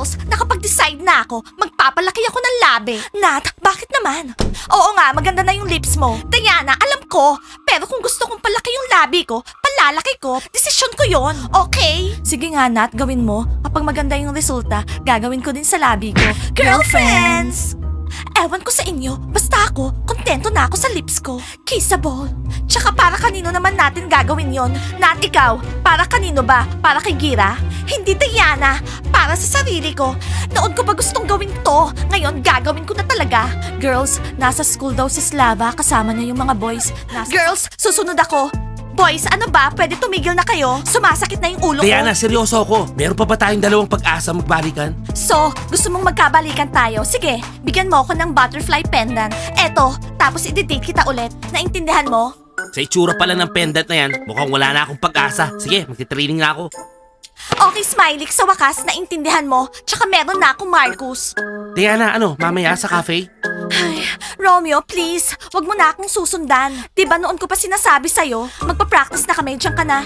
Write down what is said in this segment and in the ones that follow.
Girls, nakapag-decide na ako. Magpapalaki ako ng labi. Nat, bakit naman? Oo nga, maganda na yung lips mo. Diana, alam ko. Pero kung gusto kong palaki yung labi ko, palalaki ko, desisyon ko yon. Okay? Sige nga, Nat, gawin mo. Kapag maganda yung resulta, gagawin ko din sa labi ko. Girlfriends! Ewan ko sa inyo, basta ako, kontento na ako sa lips ko. Kissable. Tsaka para kanino naman natin gagawin yon? Nat, ikaw, para kanino ba? Para kay Gira? Hindi, Diana. Para sa sarili ko. Noon ko pa gustong gawin to. Ngayon, gagawin ko na talaga. Girls, nasa school daw si Slava, kasama niya yung mga boys. Girls, susunod ako. Boys, ano ba? Pwede tumigil na kayo? Sumasakit na yung ulo ko. Diana, seryoso ako. Meron pa ba tayong dalawang pag-asa magbalikan? So, gusto mong magkabalikan tayo? Sige, bigyan mo ako ng butterfly pendant. Eto, tapos i-date kita ulit. Naintindihan mo? Sa itsura pala ng pendant na yan, mukhang wala na akong pag-asa. Sige, magti-training na ako. Okay, Smiley, sa wakas, naintindihan mo. Tsaka meron na akong Marcus. Diana, ano, mamaya sa cafe? Ay, Romeo, please, wag mo na akong susundan. Diba noon ko pa sinasabi sa'yo, magpa-practice na kami, diyan ka na.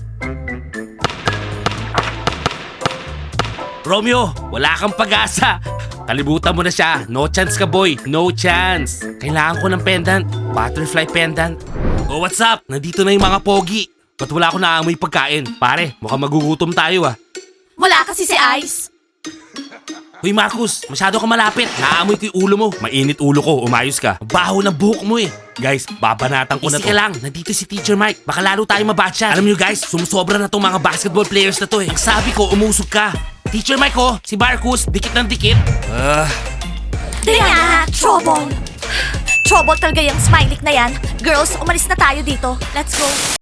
Romeo, wala kang pag-asa. Kalibutan mo na siya. No chance ka, boy. No chance. Kailangan ko ng pendant. Butterfly pendant. Oh, what's up? Nandito na yung mga pogi. Ba't wala ako naamoy pagkain? Pare, mukhang magugutom tayo ah. Wala kasi si Ice. Hoy Marcus, masyado ka malapit. Naamoy ko yung ulo mo. Mainit ulo ko, umayos ka. Baho ng buhok mo eh. Guys, babanatan ko na to. Easy ka lang, nandito si Teacher Mike. Baka lalo tayo mabatcha. Alam niyo guys, sumusobra na tong mga basketball players na to eh. Ang sabi ko, umusog ka. Teacher Mike oh, si Marcus, dikit ng dikit. Diana, trouble. Trouble talaga yung Smiley na yan. Girls, umalis na tayo dito. Let's go.